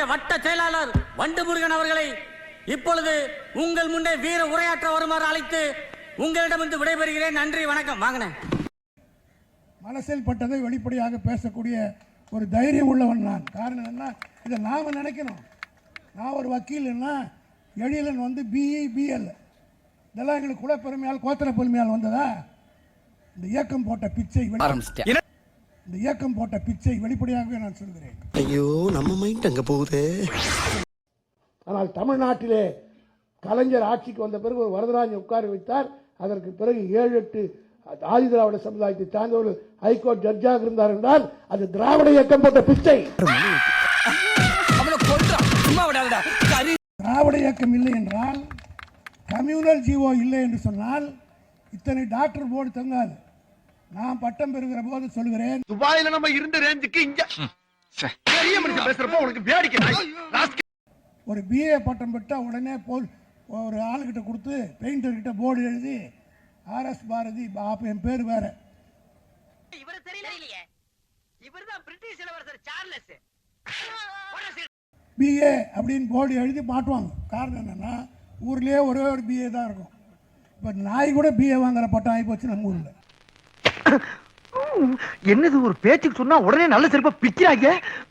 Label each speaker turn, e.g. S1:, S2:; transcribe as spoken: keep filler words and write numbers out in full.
S1: வட்ட செயலாளர் வண்டு முருகன் அவர்களை இப்பொழுது உங்கள் முன்னே வீர உரையாற்ற வருமாறு அழைத்து உங்களிடமிருந்து விடைபெறுகிறேன். நன்றி, வணக்கம். வாங்கினேன்.
S2: மனசில் பட்டதை வெளிப்படையாக பேசக்கூடிய ஒரு தைரியம் உள்ளவன் நான். காரணம் என்ன, இதை நாம் நினைக்கணும். நான் ஒரு வக்கீல்னா எழிலன் வந்து பிஇ பிஎல் இதெல்லாம் எங்களுக்கு குலப்பெருமையால் கோத்திர பெருமையால் வந்ததா? இந்த இயக்கம் போட்ட பிச்சை இந்த இயக்கம் போட்ட பிச்சை வெளிப்படையாகவே நான் சொல்கிறேன்.
S3: ஐயோ, நம்ம மைண்ட் அங்க போகுது.
S2: ஆனால் தமிழ்நாட்டிலே கலைஞர் ஆட்சிக்கு வந்த பிறகு ஒரு வரதராஜன் உட்கார வைத்தார். அதற்கு பிறகு ஏழு எட்டு ஆதி திராவிட சமுதாயத்தை சார்ந்தவர்கள் ஹைகோர்ட் ஜட்ஜாக இருந்தார் என்றால் அது திராவிட இயக்கம் போட்ட பிச்சை. திராவிட இயக்கம் இல்லை என்றால், கம்யூனல் ஜீவோ இல்லை என்று சொன்னால் இத்தனை டாக்டர் போர்டு தங்காது. நான் பட்டம் பெறுகிற போது சொல்கிறேன்,
S3: துபாயில நம்ம இருந்த ரேஞ்சுக்கு இங்க பெரிய மனுஷன் பேசுறப்ப உனக்கு வேடிக்கை.
S2: ஒரு பிஏ பட்டம் பெற்றா உடனே போல் ஒரு ஆளுகிட்ட கொடுத்து பெயிண்டர் கிட்ட போர்டு எழுதி ஆர்எஸ் பாரதி என் பேர் வேற பிஏ அப்படின்னு போர்டு எழுதி மாட்டுவாங்க. காரணம் என்னன்னா ஊர்லயே ஒரே ஒரு பிஏ தான் இருக்கும். இப்ப நாய் கூட பிஏ வாங்குற பட்டம் ஆகி போச்சு நம்ம ஊர்ல.
S4: என்னது ஒரு பேச்சுக்கு சொன்னா உடனே நல்ல சிறப்பா பிக்கிறாங்க.